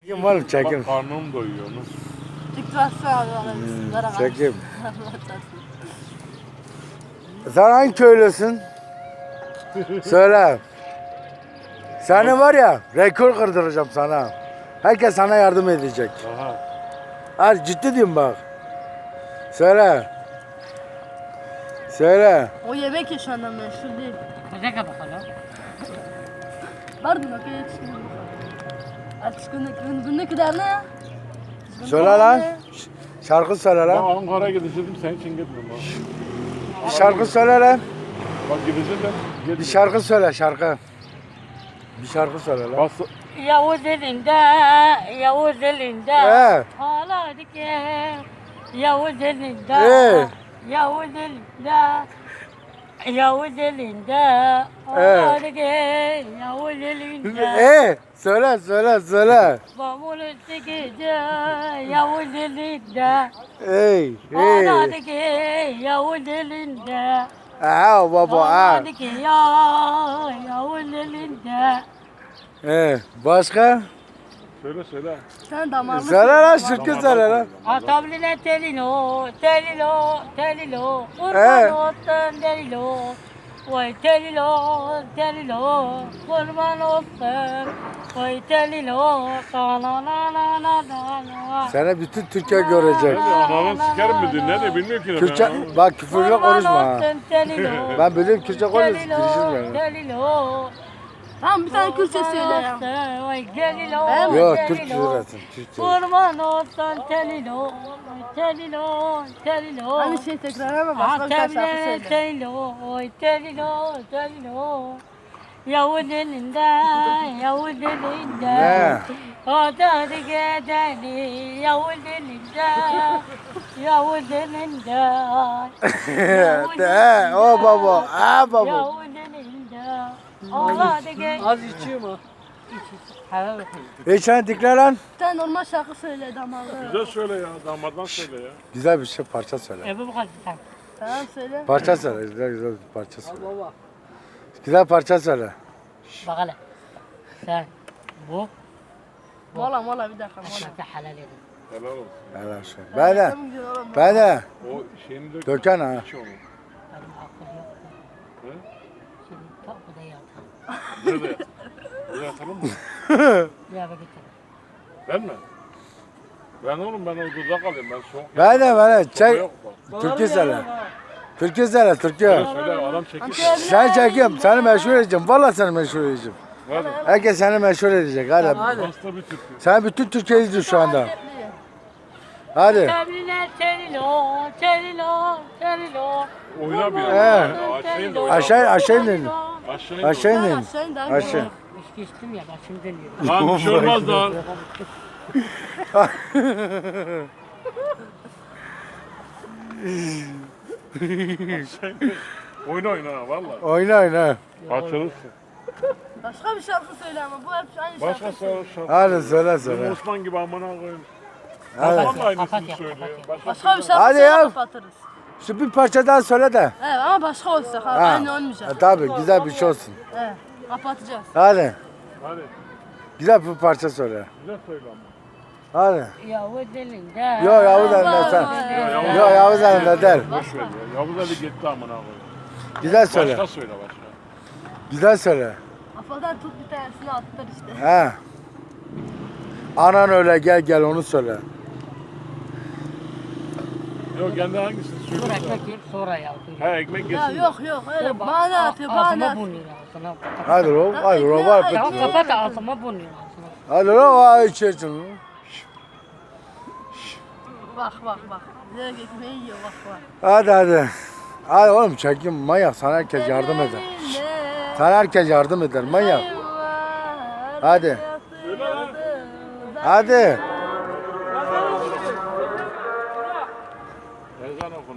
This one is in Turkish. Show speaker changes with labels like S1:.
S1: Çekim var mı çekim?
S2: Bak karnım doyuyor onu.
S1: Çekim. Sen hangi köylüsün? Söyle. Seni var ya rekor kırdıracağım sana. Herkes sana yardım edecek.
S2: Aha.
S1: Hadi ciddi diyorum bak. Söyle. Söyle.
S3: O yemek ya şu anda meşhur değil.
S4: Ne kadar bakalım.
S3: Pardon okey yetişkin. Artık günlük kadar ne?
S1: Söyle lan. Şarkı söyle
S2: Ben
S1: lan.
S2: Ankara'ya gidecektim senin için gitmedim ha.
S1: Bir şarkı söyle lan.
S2: Bak gidecektim.
S1: Bir şarkı söyle şarkı. Bir şarkı söyle lan.
S2: Bas.
S4: Yavuz elinde, Yavuz elinde. Ağladı ki. Yavuz elinde. Yavuz elinde. Yavuz elinde. Ağladı ki. Yavuz elinde.
S1: Söyle söyle söyle.
S4: Babul üstü gece. Yavuz elinde. Ağladı ki. Yavuz elinde.
S1: Baba
S4: Ağladı ki ya. Yavuz elinde.
S1: Başka?
S2: Söyle.
S3: Sen damarlı.
S1: Söyle lan şarkı söyle lan.
S4: Atabline telilo, telilo, telilo. Kurban olsun telilo. Vay telilo, telilo. Kurban olsun. Vay telilo. La la la la la la.
S1: Seni bütün Türkiye görecek.
S2: Ananın sikerim mi diyor? Ne de bilmiyorum ki.
S1: Kürtçe, bak küfürle konuşma ha.
S4: Telilo.
S1: Ben biliyorum Kürtçe konuşuyorum. Girişim
S4: Telilo.
S3: Tamam bir tane Kürtçe söyle ya.
S4: Vay telilo.
S1: Yok Türkçe söylesin. Türkçe.
S4: Kurban olsun telilo, telilo, telilo.
S3: Hani şey tekrar ama başka bir tane şarkı söyle.
S4: Telilo, telilo, telilo. Yavuz elinde, Yavuz elinde.
S1: Ne?
S4: Adı gedeni, Yavuz elinde, Yavuz elinde.
S1: O baba. Baba.
S4: Yavuz elinde. Ağladı ge.
S5: Az içiyor mu?
S1: Sen dikle lan.
S3: Bir tane normal şarkı söyle damarlı.
S2: Güzel söyle ya. Damaddan söyle ya.
S1: Güzel bir şey parça söyle.
S4: Ebu bakar sen.
S3: Tamam söyle.
S1: Parça söyle. Güzel bir parça söyle.
S5: Baba.
S1: Güzel parça söyle.
S4: Bak hele. Sen bu
S3: Mola bir dakika mola.
S4: şaka halal edin.
S2: Helal olsun.
S1: Helal şey. Ben de.
S3: Tamam, güzel oğlum.
S1: Ben de.
S2: O şeyini dök.
S1: Döken ha.
S2: İç onu.
S4: Benim aklım yok.
S2: He?
S4: Şimdi kapıda yatar.
S2: Nerede yatalım? Buraya yatalım mı?
S4: Bir eve getirin.
S2: Ben mi? Ben oğlum ben odada kalayım. Ben soğuk.
S1: Ben de. Çek.
S2: Yok bak.
S1: Türkü söyle. Türkü söyle. Türkü.
S2: Söyle adam çekil.
S1: Sen çekiyorum. Seni meşhur edeceğim. Vallahi seni meşhur edeceğim.
S2: Hadi.
S1: Herkes seni meşhur edecek. Hadi.
S2: Hasta bir Türk.
S1: Sen bütün Türkiye izliyor şu anda. Hadi.
S4: Temline telilo, telilo, telilo.
S2: Oyna bir
S1: He.
S2: ya. Aşağıya da oyna.
S1: Aşağı inin.
S2: Aşağıya da
S1: Aşağı
S2: oyna.
S1: inin.
S3: Aşağı in daha
S1: Aşağı.
S3: güzel.
S4: İçki içtim ya başım dönüyor.
S2: Lan bir şey olmaz lan. Oyna ha valla.
S1: Oyna.
S2: Açılırsın.
S3: Başka bir şarkı söyle ama bu hep aynı
S2: Başka
S3: şarkı.
S2: şarkı.
S1: Hadi söyle
S2: Benim
S1: söyle.
S2: Osman gibi amına koyayım.
S1: Hadi.
S2: Osman da aynısını
S4: Kapat ya,
S2: söylüyor.
S4: kapat
S3: Başka bir şarkı
S1: Hadi
S3: söyle
S1: ya.
S3: kapatırız.
S1: Şu bir parça daha söyle de.
S3: Evet ama başka olacak abi. Aynı olmayacak.
S1: Tabii güzel bir şey olsun.
S3: Evet. Kapatacağız.
S1: Hadi.
S2: Hadi.
S1: Güzel bir parça söyle.
S2: Güzel söyle ama.
S1: Hadi.
S4: Yavuz elinde.
S1: Yok Yavuz elinde sen. Yok Yavuz elinde der.
S2: Boş ver ya. Yavuz Ali gitti amına koyayım.
S1: Güzel söyle.
S2: Başka söyle başka.
S1: Güzel söyle.
S3: Kafadan tut bir tanesini attır işte.
S1: He. Anan öyle gel onu söyle.
S2: Yok kendi hangisini
S4: Dur
S2: söyle.
S4: ekmek yiyip sonra yavrum.
S2: Ha ekmek
S3: Ya
S2: yesin.
S3: yok öyle bana atıyor bana
S4: Ağzıma
S3: atıyor.
S4: bunuyor ağzına.
S1: Hadi ro, var.
S4: Ya kapat ağzıma bunuyor ağzına.
S1: Hadi ro, ay içersin.
S3: Bak. Direkt ekmeği yiyor bak.
S1: Hadi. Hadi oğlum çekin manyak sana herkes yardım eder. Sana herkes yardım eder manyak. Hadi. Hadi.